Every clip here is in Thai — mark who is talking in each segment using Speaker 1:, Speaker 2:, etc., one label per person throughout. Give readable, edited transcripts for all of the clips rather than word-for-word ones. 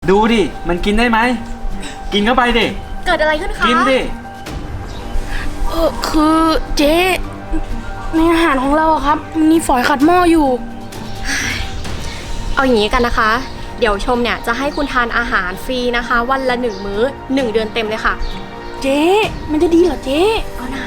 Speaker 1: ดูดิมันกินได้ไหมกินเข้าไปดิ
Speaker 2: เกิดอะไรขึ้นคะ
Speaker 1: กินดิ
Speaker 3: คือเจ๊ในอาหารของเราครับมีฝอยขัดหม้ออยู่
Speaker 2: เอาอย่างนี้กันนะคะเดี๋ยวชมเนี่ยจะให้คุณทานอาหารฟรีนะคะวันละ1 มื้อ1 เดือนเต็มเลยค่ะ
Speaker 3: เจ๊มันจะดีเหรอเจ๊
Speaker 2: เอาหน่า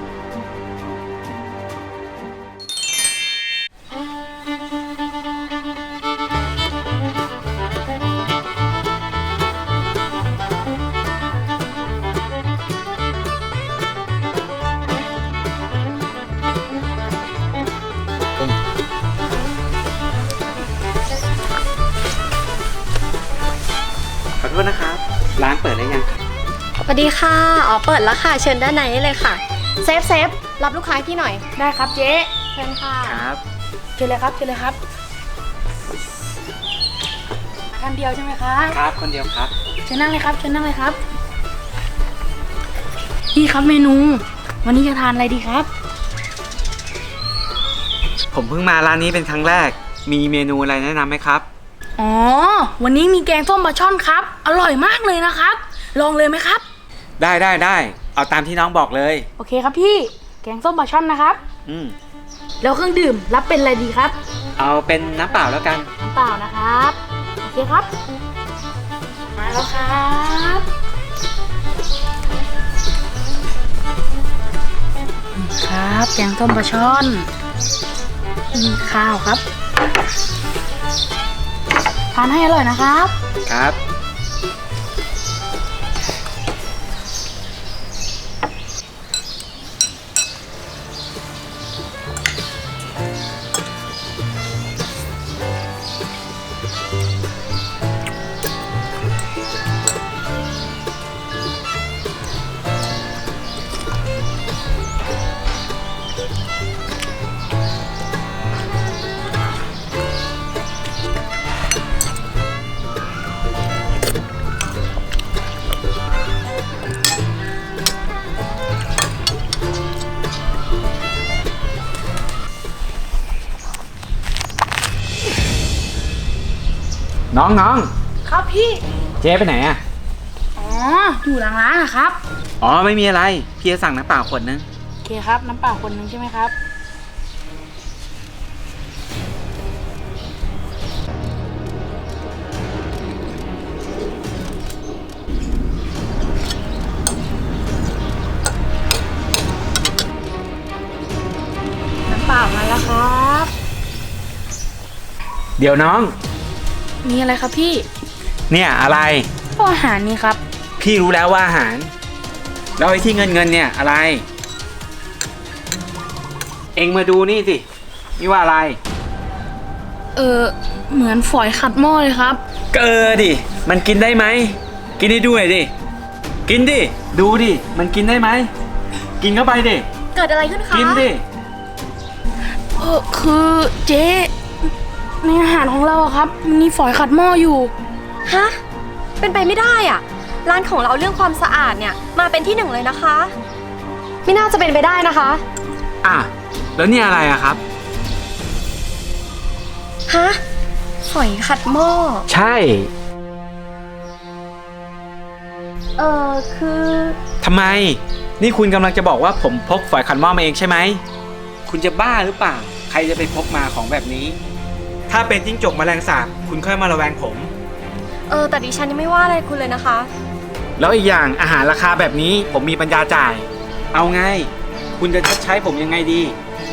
Speaker 1: ขอโทษนะครับร้านเปิดได้ยังครับ
Speaker 2: สวัสดีค่ะอ๋อเปิดแล้วค่ะเชิญด้านในได้เลยค่ะเซฟรับลูกค้าให้พี่หน่อย
Speaker 3: ได้ครับเจ๊
Speaker 2: เชิญค่ะ
Speaker 1: ครับ
Speaker 3: เชิญเลยครับเชิญเลยครับท่านเดียวใช่ไหมครับ
Speaker 1: ครับคนเดียวครับ
Speaker 3: เชิญนั่งเลยครับเชิญนั่งเลยครับนี่ครับเมนูวันนี้จะทานอะไรดีครับ
Speaker 1: ผมเพิ่งมาร้านนี้เป็นครั้งแรกมีเมนูอะไรแนะนำไหมครับ
Speaker 3: อ๋อวันนี้มีแกงส้มปลาช่อนครับอร่อยมากเลยนะครับลองเลยไหมครับ
Speaker 1: ได้เอาตามที่น้องบอกเลย
Speaker 3: โอเคครับพี่แกงส้มปลาช่อนนะครับแล้วเครื่องดื่มรับเป็นอะไรดีครับ
Speaker 1: เอาเป็นน้ำเปล่าแล้วกัน
Speaker 3: น้ำเปล่านะครับโอเคครับมาแล้วครับครับแกงส้มปลาช่อนมีข้าวครับทานให้อร่อยนะครับ
Speaker 1: ครับน้อง
Speaker 3: ครับพี่
Speaker 1: เจ๊ไปไหนอ่ะ
Speaker 3: อ๋ออยู่หลังร้านนะครับ
Speaker 1: อ๋อไม่มีอะไรพี่จะสั่งน้ำเปล่าขวดนึง
Speaker 3: โอเคครับน้ำเปล่าคนนึงใช่ไหมครับน้ำเปล่ามาแล้วครับ
Speaker 1: เดี๋ยวน้อง
Speaker 3: มีอะไรครับพี่
Speaker 1: เนี่ยอะไร
Speaker 3: อาหารนี่ครับ
Speaker 1: พี่รู้แล้วว่าอาหารแล้วไอ้ที่เงินเนี่ยอะไรเอ็งมาดูนี่สินี่ว่าอะไร
Speaker 3: เหมือนฝอยขัดหม้อเลยครับ
Speaker 1: ก็ดิมันกินได้ไหมกินได้ด้วยดิกินดิดูดิมันกินได้ไหมกินเข้าไปดิ
Speaker 2: เกิดอะไรขึ้นคะ
Speaker 1: กินดิ
Speaker 3: คือเจ๊ในอาหารของเราครับมีฝอยขัดหม้ออยู่
Speaker 2: ฮะเป็นไปไม่ได้อ่ะร้านของเราเรื่องความสะอาดเนี่ยมาเป็นที่1เลยนะคะไม่น่าจะเป็นไปได้นะคะ
Speaker 1: แล้วนี่อะไรอะครับ
Speaker 2: ฮะฝอยขัดหม้อ
Speaker 1: ใช่
Speaker 2: คือ
Speaker 1: ทำไมนี่คุณกำลังจะบอกว่าผมพกฝอยขัดหม้อมาเองใช่ไหมคุณจะบ้าหรือเปล่าใครจะไปพกมาของแบบนี้ถ้าเป็นจิ้งจกแมลงสาบคุณค่อยมาระแวงผม
Speaker 2: แต่ดิฉันยังไม่ว่าอะไรคุณเลยนะคะ
Speaker 1: แล้วอีกอย่างอาหารราคาแบบนี้ผมมีปัญญาจ่ายเอาไงคุณจะชดใช้ผมยังไงดี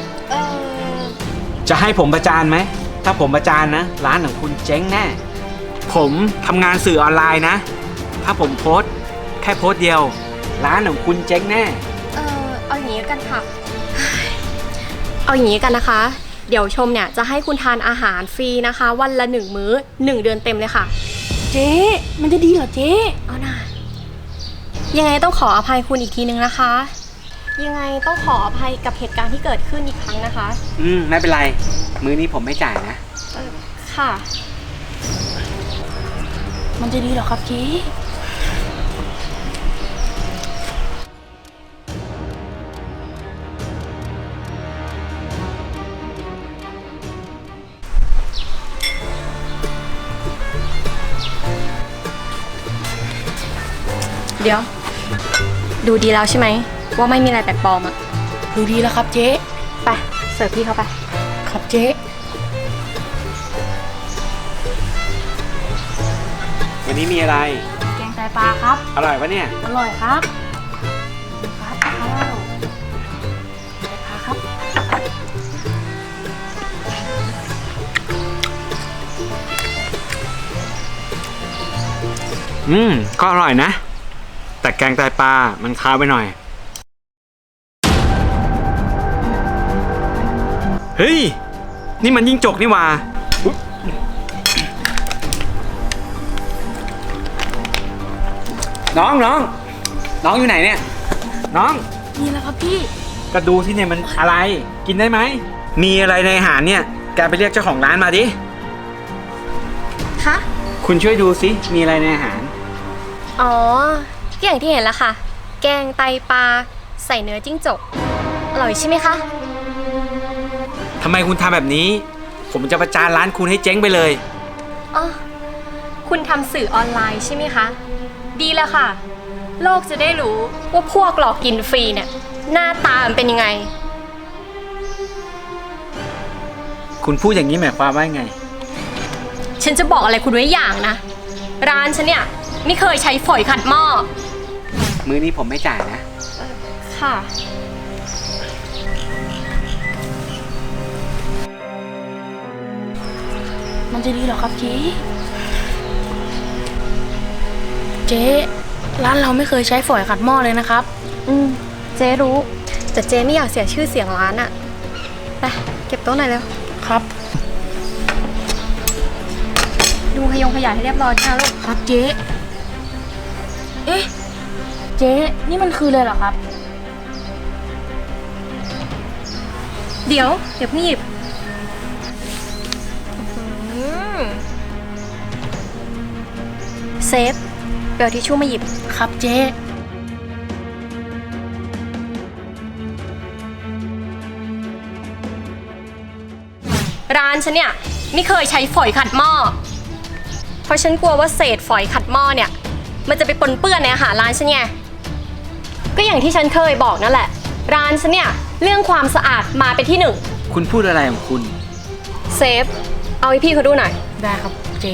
Speaker 1: จะให้ผมประจานไหมถ้าผมประจานนะร้านของคุณเจ๊งแน่ผมทำงานสื่อออนไลน์นะถ้าผมโพสต์แค่โพสต์เดียวร้านของคุณเจ๊งแน่
Speaker 2: เอาอย่างนี้กันค่ะเอาอย่างนี้กันนะคะเดี๋ยวชมเนี่ยจะให้คุณทานอาหารฟรีนะคะวันละ1 มื้อ1 เดือนเต็มเลยค่ะ
Speaker 3: เจ๊มันจะดีเหรอเจ๊
Speaker 2: เอาหน่ายังไงต้องขออภัยคุณอีกทีนึงนะคะยังไงต้องขออภัยกับเหตุการณ์ที่เกิดขึ้นอีกครั้งนะคะ
Speaker 1: ไม่เป็นไรมื้อนี้ผมไม่จ่ายนะ
Speaker 2: ค่ะ
Speaker 3: มันจะดีเหรอครับเจ๊
Speaker 2: เดี๋ยว ดูดีแล้วใช่ไหมว่าไม่มีอะไรแปลกปลอมอะ
Speaker 3: ดูดีแล้วครับเจ๊
Speaker 2: ไปเสิร์ฟพี่เขาไป
Speaker 3: ครับเจ๊
Speaker 1: วันนี้มีอะไร
Speaker 3: แกงไตปลาครับ
Speaker 1: อร่อยปะเนี่ย
Speaker 3: อร่อยครับครับข้าวไตปลาครับ
Speaker 1: ก็อร่อยนะ แต่แกงไตปลา มันคาวไปหน่อย เฮ้ย นี่มันยิ่งจกนี่หว่าน้องอยู่ไหนเนี่ย น้อง
Speaker 3: นี่แหละครับพี่
Speaker 1: ก็ดูที่เนี่ยมันอะไร กินได้ไหม มีอะไรในอาหารเนี่ย แกไปเรียกเจ้าของร้านมาดิ
Speaker 2: คะ
Speaker 1: คุณช่วยดูสิ มีอะไรในอาหาร
Speaker 2: อ๋อก็อย่างที่เห็นแล้วค่ะ แกงไตปลาใส่เนื้อจิ้งจก อร่อยใช่ไหมคะ
Speaker 1: ทำไมคุณทำแบบนี้ ผมจะประจานร้านคุณให้เจ๊งไปเลย
Speaker 2: อ๋อ คุณทำสื่อออนไลน์ใช่ไหมคะ ดีแล้วค่ะ โลกจะได้รู้ว่าพวกหลอกกินฟรีเนี่ย หน้าตามันเป็นยังไง
Speaker 1: คุณพูดอย่างนี้หมายความว่าไง
Speaker 2: ฉันจะบอกอะไรคุณไว้อย่างนะ ร้านฉันเนี่ยไม่เคยใช้ฝอยขัดหม้อ
Speaker 1: มื้อนี้ผมไม่จ่ายนะ
Speaker 2: ค่ะ
Speaker 3: มันจะดีเหรอครับเจ๊ เจ๊ร้านเราไม่เคยใช้ฝอยขัดหม้อเลยนะครับ
Speaker 2: เจ๊รู้ แต่เจ๊ไม่อยากเสียชื่อเสียงร้านอะไปเก็บโต๊ะหน่อยเร็ว
Speaker 3: ครับ
Speaker 2: ดูขยงขยะให้เรียบร้อยนะลูก
Speaker 3: ครับเจ๊ เอ๊ะ เจ๊นี่มันคือเลยเหรอครับ
Speaker 2: เดี๋ยวเพิ่งหยิบเซฟเดี๋ยวทิชชู่มาหยิบ
Speaker 3: ครับเจ๊
Speaker 2: ร้านฉันเนี่ยไม่เคยใช้ฝอยขัดหม้อ เพราะฉันกลัวว่าเศษฝอยขัดหม้อเนี่ย มันจะไปปนเปื้อนในอาหารร้านฉันไง ก็อย่างที่ฉันเคยบอกนั่นแหละ ร้านฉันเนี่ยเรื่องความสะอาดมาเป็นที่หนึ่ง
Speaker 1: คุณพูดอะไรของคุณ
Speaker 2: เซฟ เอาให้พี่เขาดูหน่อย
Speaker 3: ได้ครับเจ๊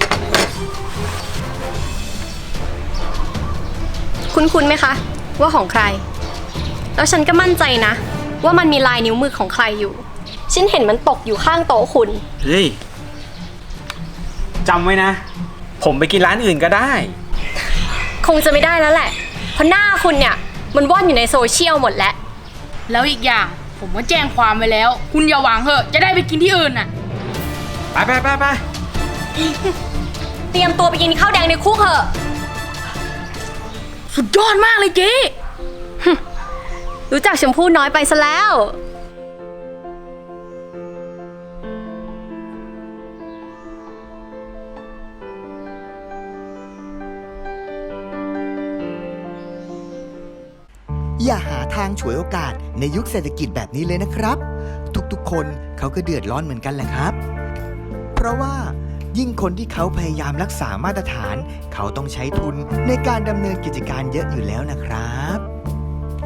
Speaker 2: คุ้นๆไหมคะ ว่าของใคร แล้วฉันก็มั่นใจนะ ว่ามันมีลายนิ้วมือของใครอยู่ ฉันเห็นมันตกอยู่ข้างโต๊ะคุณ
Speaker 1: เฮ้ยจำไว้นะ ผมไปกินร้านอื่นก็ได้
Speaker 2: คงจะไม่ได้แล้วแหละ เพราะหน้าคุณเนี่ยมันว่อนอยู่ในโซเชียลหมดแล้ว
Speaker 3: แล้วอีกอย่างผมก็แจ้งความไปแล้ว คุณอย่าหวังเหอะ จะได้ไปกินที่อื่นน่ะ
Speaker 1: ไป
Speaker 2: เตรียมตัวไปกินข้าวแดงในคุกเถอะ
Speaker 3: สุดยอดมากเลยเจ๊
Speaker 2: รู้จักชมพู่น้อยไปซะแล้ว
Speaker 4: อย่าหาทางฉวยโอกาสในยุคเศรษฐกิจแบบนี้เลยนะครับ ทุกๆคนเขาก็เดือดร้อนเหมือนกันแหละครับ เพราะว่ายิ่งคนที่เขาพยายามรักษามาตรฐาน เขาต้องใช้ทุนในการดำเนินกิจการเยอะอยู่แล้วนะครับ